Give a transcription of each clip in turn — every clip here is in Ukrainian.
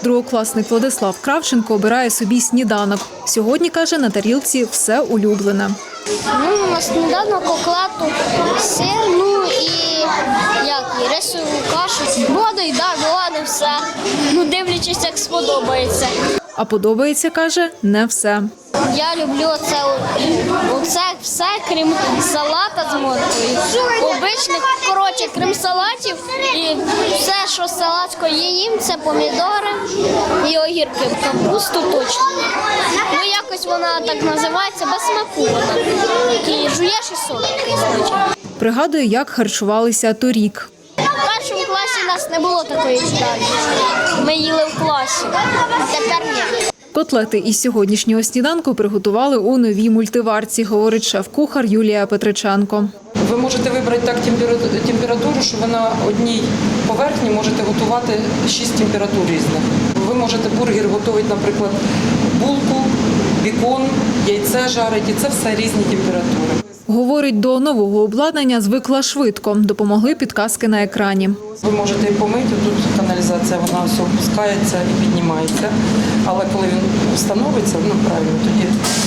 Другокласник Владислав Кравченко обирає собі сніданок. Сьогодні, каже, на тарілці все улюблене. На сніданок окладу сир, і рисову кашу. Воду і голодне все. Дивлячись, як сподобається. А подобається, каже, не все. Я люблю оце все, крім салата з морквою. Обичних, крім салатів, і все, що салатсько їм, це помідори і огірки. Капусту точно. Якось вона так називається, без смаку. І жуєш і солодкий, значить. Пригадує, як харчувалися торік. В першому класі у нас не було такої їдальні. Ми їли в класі, а тепер ні. Котлети із сьогоднішнього сніданку приготували у новій мультиварці, говорить шеф-кухар Юлія Петриченко. Ви можете вибрати так температуру, що ви на одній поверхні можете готувати 6 температур різних. Ви можете бургер готувати, наприклад, булку, бікон, яйце жарити, і це все різні температури. Говорить, до нового обладнання звикла швидко. Допомогли підказки на екрані. Ви можете і помити, тут каналізація, вона все опускається і піднімається. Але коли він встановиться, правильно, тоді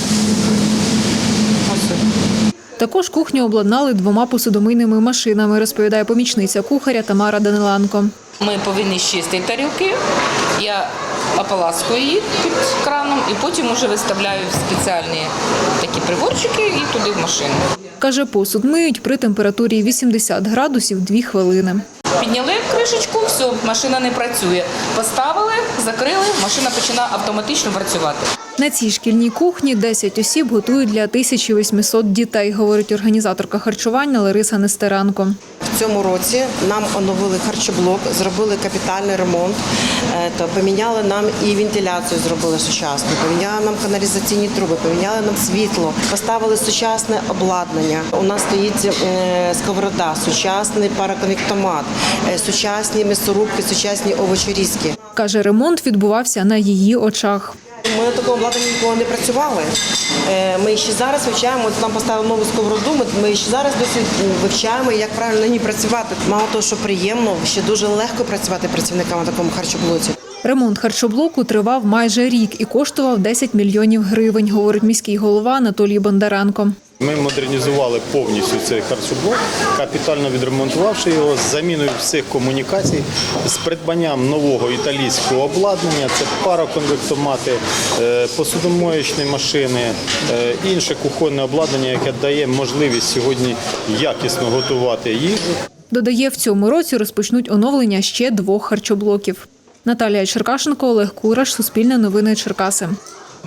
ось. Також кухню обладнали 2 посудомийними машинами, розповідає помічниця кухаря Тамара Даниленко. Ми повинні чистити тарілки, я ополаскую їх під краном і потім вже виставляю в спеціальні такі приборчики і туди в машину. Каже, посуд миють при температурі 80 градусів 2 хвилини. Підняли кришечку, все, машина не працює. Поставили, закрили, машина починає автоматично працювати. На цій шкільній кухні 10 осіб готують для 1800 дітей, говорить організаторка харчування Лариса Нестеренко. В цьому році нам оновили харчоблок, зробили капітальний ремонт, поміняли нам і вентиляцію, зробили сучасну, поміняли нам каналізаційні труби, поміняли нам світло, поставили сучасне обладнання. У нас стоїть сковорода, сучасний параконвектомат, сучасні м'ясорубки, сучасні овочерізки. Каже, ремонт відбувався на її очах. Ми на такому обладнанні ніколи не працювали. Ми ще зараз вивчаємо, нам поставили нову сковороду, ми ще зараз досі вивчаємо, як правильно на ній працювати. Мало того, що приємно, ще дуже легко працювати працівникам на такому харчоблоці. Ремонт харчоблоку тривав майже рік і коштував 10 мільйонів гривень, говорить міський голова Анатолій Бондаренко. Ми модернізували повністю цей харчоблок, капітально відремонтувавши його з заміною всіх комунікацій, з придбанням нового італійського обладнання, це пароконвектомати, посудомоєчні машини, інше кухонне обладнання, яке дає можливість сьогодні якісно готувати їжу. Додає, в цьому році розпочнуть оновлення ще 2 харчоблоків. Наталія Черкашенко, Олег Кураш, Суспільне новини, Черкаси.